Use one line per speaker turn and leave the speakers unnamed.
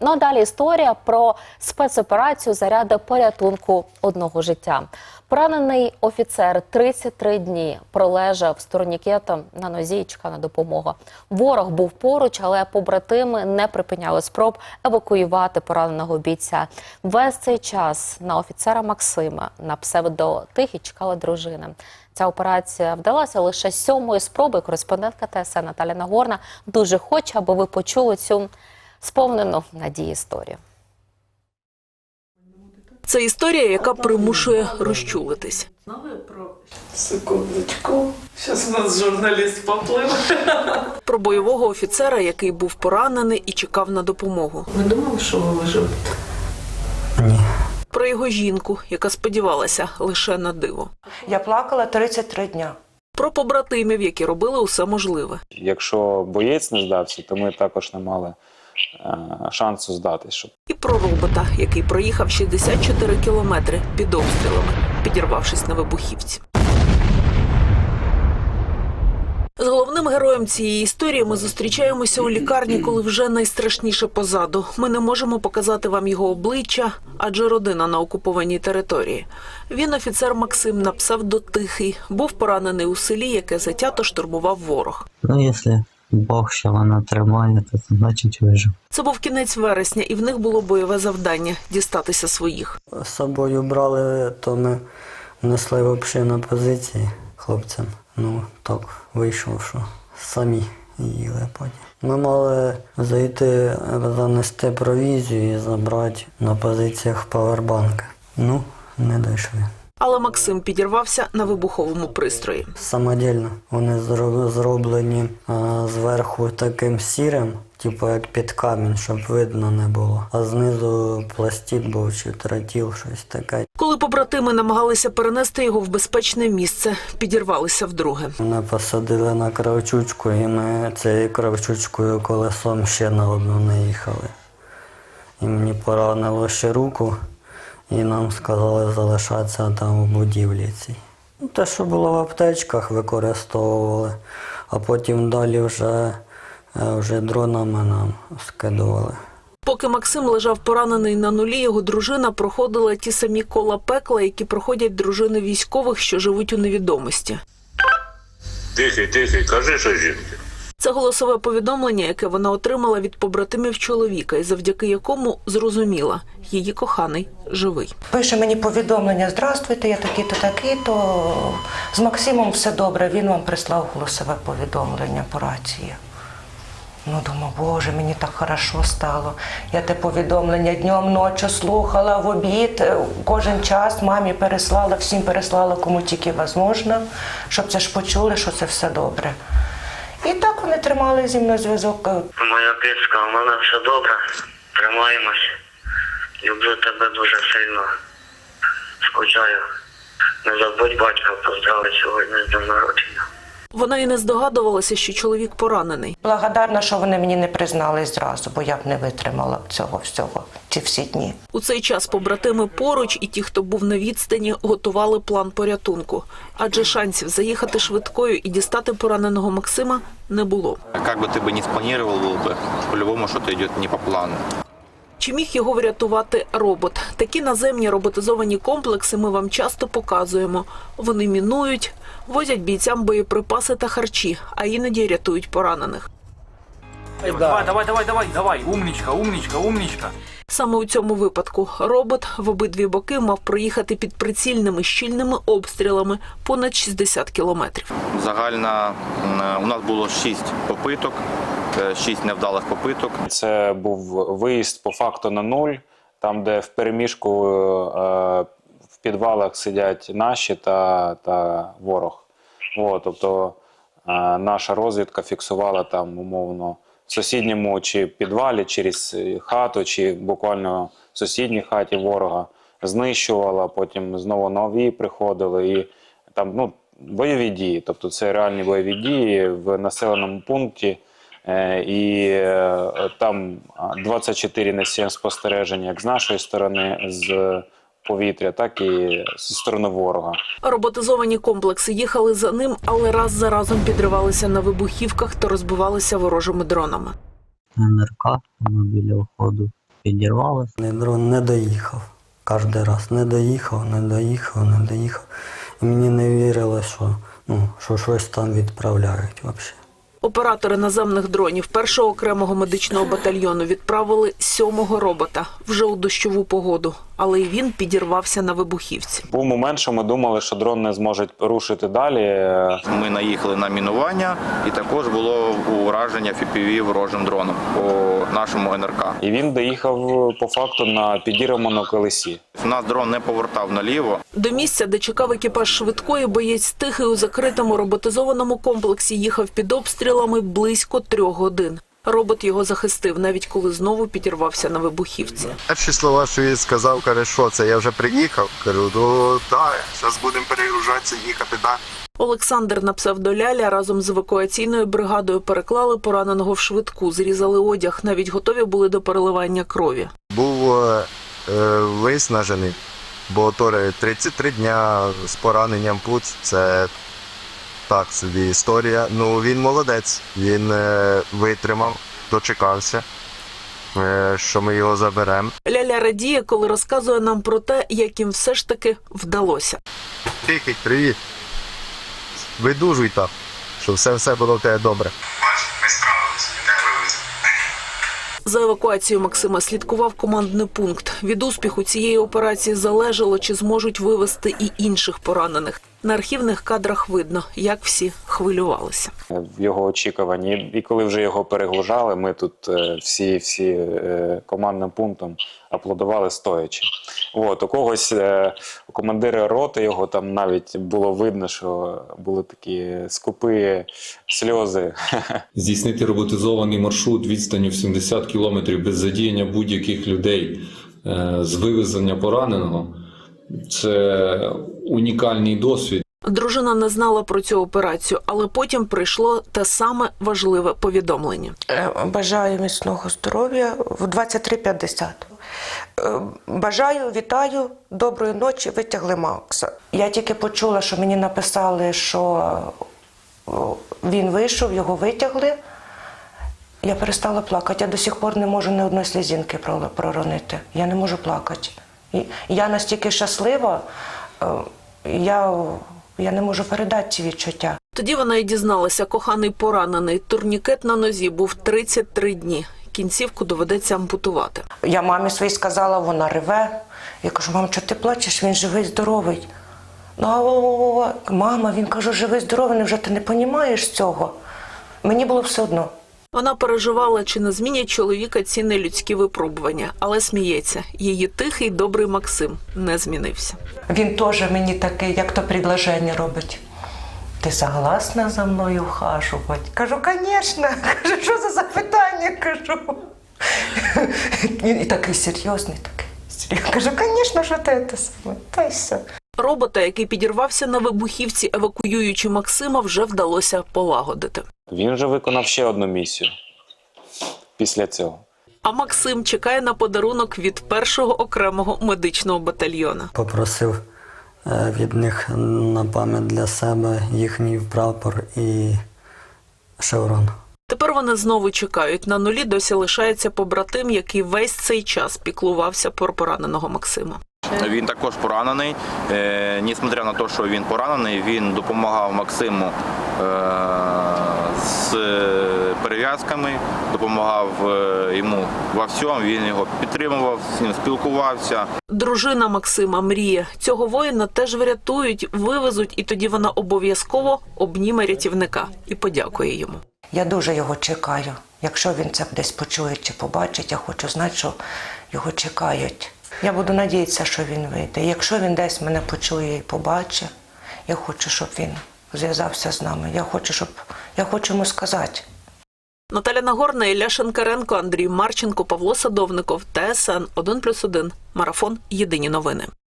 Ну а далі історія про спецоперацію заради порятунку одного життя. Поранений офіцер 33 дні пролежав з турнікетом на нозі і чекав на допомогу. Ворог був поруч, але побратими не припиняли спроб евакуювати пораненого бійця. Весь цей час на офіцера Максима, на псевдо Тихий, чекала дружина. Ця операція вдалася лише з 7-ї спроби. Кореспондентка ТСН Наталя Нагорна дуже хоче, аби ви почули цю сповнену надії історію.
Це історія, яка примушує розчулитись.
Секундочку. Зараз у нас журналіст поплив.
Про бойового офіцера, який був поранений і чекав на допомогу.
Ви думали, що ви виживете?
Ні.
Про його жінку, яка сподівалася лише на диво.
Я плакала 33 дня.
Про побратимів, які робили усе можливе.
Якщо боєць не здався, то ми також не мали шансу здатись.
І про робота, який проїхав 64 кілометри під обстрілами, підірвавшись на вибухівці. З головним героєм цієї історії ми зустрічаємося у лікарні, коли вже найстрашніше позаду. Ми не можемо показати вам його обличчя, адже родина на окупованій території. Він офіцер Максим на псевдо Тихий, був поранений у селі, яке затято штурмував ворог.
Ну, якщо Бог ще вона тримає, то значить вижив.
Це був кінець вересня, і в них було бойове завдання – дістатися своїх.
З собою брали, то ми несли взагалі на позиції хлопцям. Ну, так вийшло, що самі їли потім. Ми мали зайти, занести провізію і забрати на позиціях павербанки. Ну, не дійшли.
Але Максим підірвався на вибуховому пристрої.
Самодільно. Вони зроблені зверху таким сірим, типу як під камінь, щоб видно не було. А знизу пластик був чи тротіл, щось таке.
Коли побратими намагалися перенести його в безпечне місце, підірвалися вдруге.
Мене посадили на кравчучку, і ми цією кравчучкою колесом ще на одну наїхали. І мені поранило ще руку, і нам сказали залишатися там у будівлі цій. Те, що було в аптечках, використовували, а потім далі вже дронами нам скидували.
Поки Максим лежав поранений на нулі, його дружина проходила ті самі кола пекла, які проходять дружини військових, що живуть у невідомості.
Тихий, кажи, що жінки.
Це голосове повідомлення, яке вона отримала від побратимів чоловіка, і завдяки якому зрозуміла – її коханий живий.
Пише мені повідомлення: «Здравствуйте, я такий-то, такий-то. З Максимом все добре, він вам прислав голосове повідомлення по рації». Ну, думаю, Боже, мені так хорошо стало. Я те повідомлення днем, ночі слухала, в обід, кожен час мамі переслала, всім переслала, кому тільки можливо, щоб це ж почули, що це все добре. І так вони тримали зі мною зв'язок.
Моя кицька, у мене все добре. Тримаємось. Люблю тебе дуже сильно. Скучаю. Не забудь батька поздравити сьогодні з днем народження.
Вона і не здогадувалася, що чоловік поранений.
Благодарна, що вони мені не признались зразу, бо я б не витримала цього всього, ці всі дні.
У цей час побратими поруч і ті, хто був на відстані, готували план порятунку. Адже шансів заїхати швидкою і дістати пораненого Максима не було.
Як би ти не спланував, по-любому щось йде не по плану.
Чи міг його врятувати робот? Такі наземні роботизовані комплекси ми вам часто показуємо. Вони мінують, возять бійцям боєприпаси та харчі, а іноді рятують поранених.
Давай, умничка.
Саме у цьому випадку робот в обидві боки мав проїхати під прицільними щільними обстрілами понад 60 кілометрів.
Загально у нас було 6 попиток, 6 невдалих попиток.
Це був виїзд по факту на нуль, там де в переміжку в підвалах сидять наші та ворог. Тобто наша розвідка фіксувала там умовно в сусідньому чи підвалі, через хату, чи буквально в сусідній хаті ворога, знищувала, потім знову нові приходили. І там бойові дії, тобто це реальні бойові дії в населеному пункті. І там 24/7 спостереження як з нашої сторони, з повітря, так і зі сторони ворога.
Роботизовані комплекси їхали за ним, але раз за разом підривалися на вибухівках та розбивалися ворожими дронами.
НРК, воно біля входу.
підірвалося.
Дрон не доїхав. Кожен раз не доїхав. І мені не вірили, що щось там відправляють взагалі.
Оператори наземних дронів першого окремого медичного батальйону відправили 7-го робота вже у дощову погоду, але і він підірвався на вибухівці.
Був момент, що ми думали, що дрон не зможе рушити далі.
Ми наїхали на мінування, і також було ураження FPV ворожим дроном по нашому НРК.
І він доїхав по факту на підірваному колесі.
У нас дрон не повертав наліво.
До місця, де чекав екіпаж швидкої, боєць Тихий у закритому роботизованому комплексі їхав під обстрілами близько 3 годин. Робот його захистив, навіть коли знову підірвався на вибухівці.
Перші слова, що він сказав, каже, що це, я вже приїхав. Кажу, ну так, зараз будемо перегружатися, їхати, так.
Олександр на псевдоляля разом з евакуаційною бригадою переклали пораненого в швидку, зрізали одяг, навіть готові були до переливання крові.
Був виснажений, бо 33 дня з пораненням пуц, це так собі історія. Ну, він молодець, він витримав, дочекався, що ми його заберемо.
Ляля радіє, коли розказує нам про те, як їм все ж таки вдалося.
Тихий, привіт. Видужуй так, щоб все було в тебе добре.
Ми справилися, тебе вивезли.
За евакуацією Максима слідкував командний пункт. Від успіху цієї операції залежало, чи зможуть вивезти і інших поранених. На архівних кадрах видно, як всі хвилювалися.
В його очікуванні. І коли вже його перегружали, ми тут всі командним пунктом аплодували стоячи. У когось, у командира роти його там навіть було видно, що були такі скупі сльози.
Здійснити роботизований маршрут відстанню в 70 кілометрів без задіяння будь-яких людей з вивезення пораненого – це унікальний досвід.
Дружина не знала про цю операцію, але потім прийшло те саме важливе повідомлення.
Бажаю міцного здоров'я в 23:50. Бажаю, вітаю, доброї ночі, витягли Макса. Я тільки почула, що мені написали, що він вийшов, його витягли. Я перестала плакати. Я до сих пор не можу ні одної слізинки проронити. Я не можу плакати. Я настільки щаслива, я не можу передати ці відчуття.
Тоді вона і дізналася, коханий поранений. Турнікет на нозі був 33 дні. Кінцівку доведеться ампутувати.
Я мамі своїй сказала, вона реве. Я кажу, мам, чого ти плачеш? Він живий, здоровий. Ну, мама, він каже, живий, здоровий, невже ти не розумієш цього? Мені було все одно.
Вона переживала, чи не змінять чоловіка ці нелюдські випробування, але сміється. Її тихий, добрий Максим не змінився.
Він теж мені такий, як то предложення робить. Ти согласна за мною ухажувати? Кажу, звісно. Кажу, що за запитання? Кажу. Він і такий серйозний, такий. Кажу, звісно, що ти це саме. Та й все.
Робота, який підірвався на вибухівці, евакуюючи Максима, вже вдалося полагодити.
Він вже виконав ще одну місію після цього.
А Максим чекає на подарунок від першого окремого медичного батальйона.
Попросив від них на пам'ять для себе їхній прапор і шеврон.
Тепер вони знову чекають. На нулі досі лишається побратим, який весь цей час піклувався про пораненого Максима.
Він також поранений. Несмотря на те, що він поранений, він допомагав Максиму з перев'язками, допомагав йому во всьому, він його підтримував, з ним спілкувався.
Дружина Максима мріє. Цього воїна теж врятують, вивезуть, і тоді вона обов'язково обніме рятівника і подякує йому.
Я дуже його чекаю. Якщо він це десь почує чи побачить, я хочу знати, що його чекають. Я буду надіятися, що він вийде. Якщо він десь мене почує і побачить, я хочу, щоб він зв'язався з нами. Я хочу йому сказати.
Наталя Нагорна, Ілля Шенкаренко, Андрій Марченко, Павло Садовников, ТСН 1+1. Марафон. Єдині новини.